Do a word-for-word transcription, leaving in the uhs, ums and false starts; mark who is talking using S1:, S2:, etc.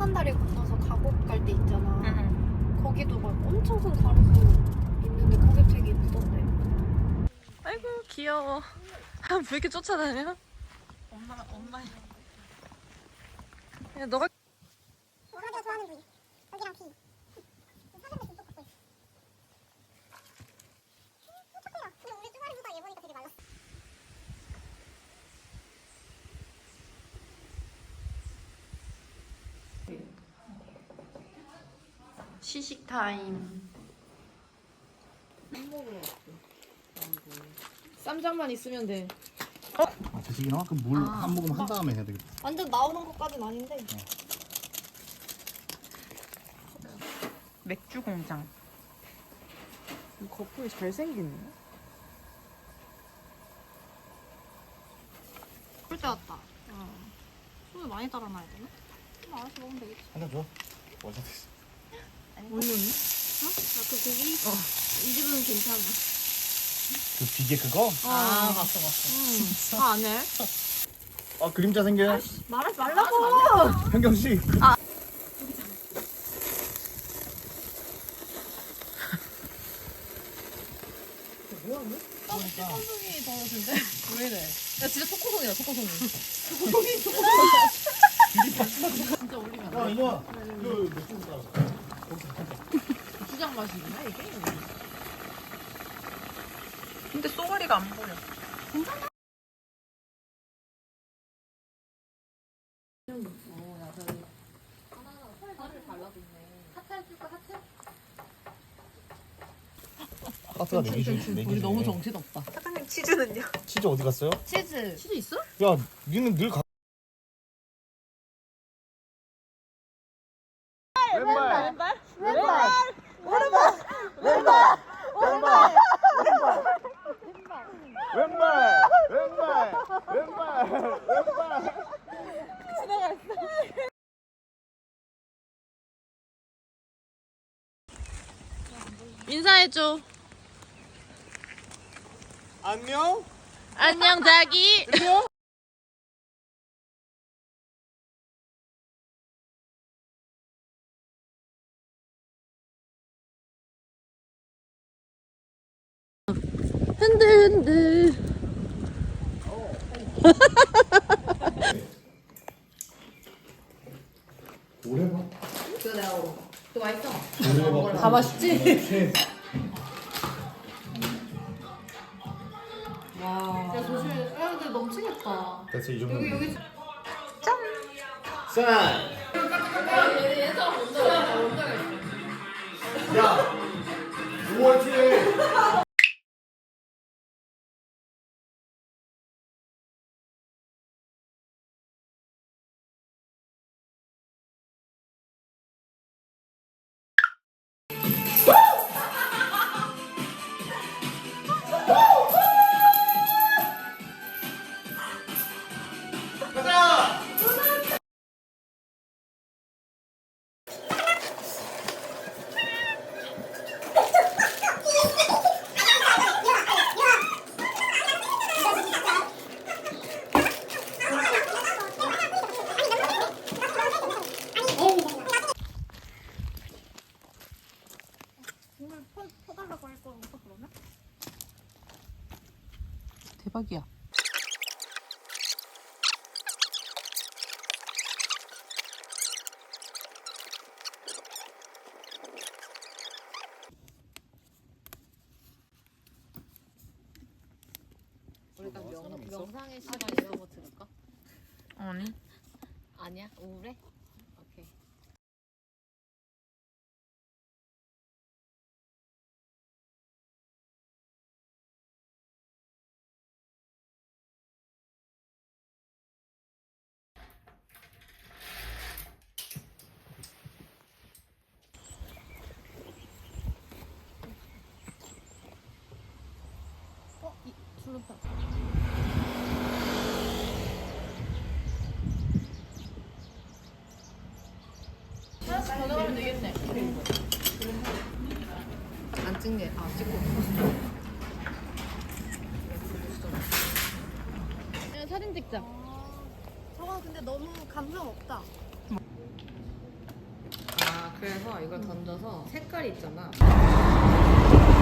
S1: 천만다리 건너서 가곡 갈 때 있잖아.
S2: 응.
S1: 거기도 막 엄청 큰 가로수 있는데 거기 되게 예쁘던데.
S2: 아이고 귀여워. 왜 이렇게 쫓아다녀? 엄마 엄마. 야 너가
S3: 너가 좋아하는 부위 여기랑 비 사진도 좀 갖고 있어. 촉촉해라. 근데 우리 쭈가리보다 얘 보니까 되게 말랐어.
S2: 시식 타임.
S1: 쌈장만 있으면 돼.
S4: 아, 재식이나? 그럼 물 한 모금 한 다음에 해야 되겠다.
S1: 완전 나오는 것까진 아닌데.
S2: 맥주 공장.
S5: 거품이 잘생기네.
S1: 그럴 때 왔다. 손을 많이 따라놔야 되나? 그럼 알아서 먹으면 되겠지.
S4: 하나 줘. 원샷 있어.
S1: 물론이? 어? 아, 그 고기? 어. 이 집은 괜찮아.
S4: 그 비계 그거?
S2: 아 봤어 봤어.
S1: 응. 다 안 해?
S4: 아, 그림자 생겨.
S1: 말하지 말라고!
S4: 현경 씨.
S2: 초코송이 더워진데? 왜 이래? 야 진짜 초코송이다 초코송이. 진짜 올리면 안 돼?
S4: 야, 이거 그 맥주 따라.
S2: 고추장 맛이구나 이게. 근데 쏘가리가 안 보여.
S4: 하트가 네 개지. 네 개지.
S2: 우리 너무 정신없다.
S1: 사장님 치즈는요?
S4: 치즈 어디 갔어요?
S1: 치즈.
S2: 치즈 있어?
S4: 야, 니는 늘 가. 왼발. 왼발. 왼발. 왼발. 왼발. 왼발. 왼발. 왼발. 왼발. 왼발.
S2: 인사해줘.
S4: 안녕.
S2: 안녕 자기. 흔들 흔들.
S4: 오래봐.
S2: 그거 내가 먹어. 그거 맛있어?
S4: 오래봐.
S2: 다 맛있지? 와. 야 조심해. 야 근데 넘치겠다.
S4: 됐어, 이 정도.
S2: 여기 여기.
S4: 쌀.
S2: 얘가 먼저 먼저
S4: 야. 오월 칠일.
S2: 대박이야.
S6: 우리 딱 명, 명상의 시간 이런 거 들을까?
S2: 아니.
S6: 아니야? 우울해? 오케이.
S2: 전화하면 되겠네.
S6: 안 찍네. 아, 찍고.
S2: 야, 사진 찍자.
S1: 저건 근데 너무 감성 없다.
S2: 그래서 이걸 던져서 색깔 있잖아.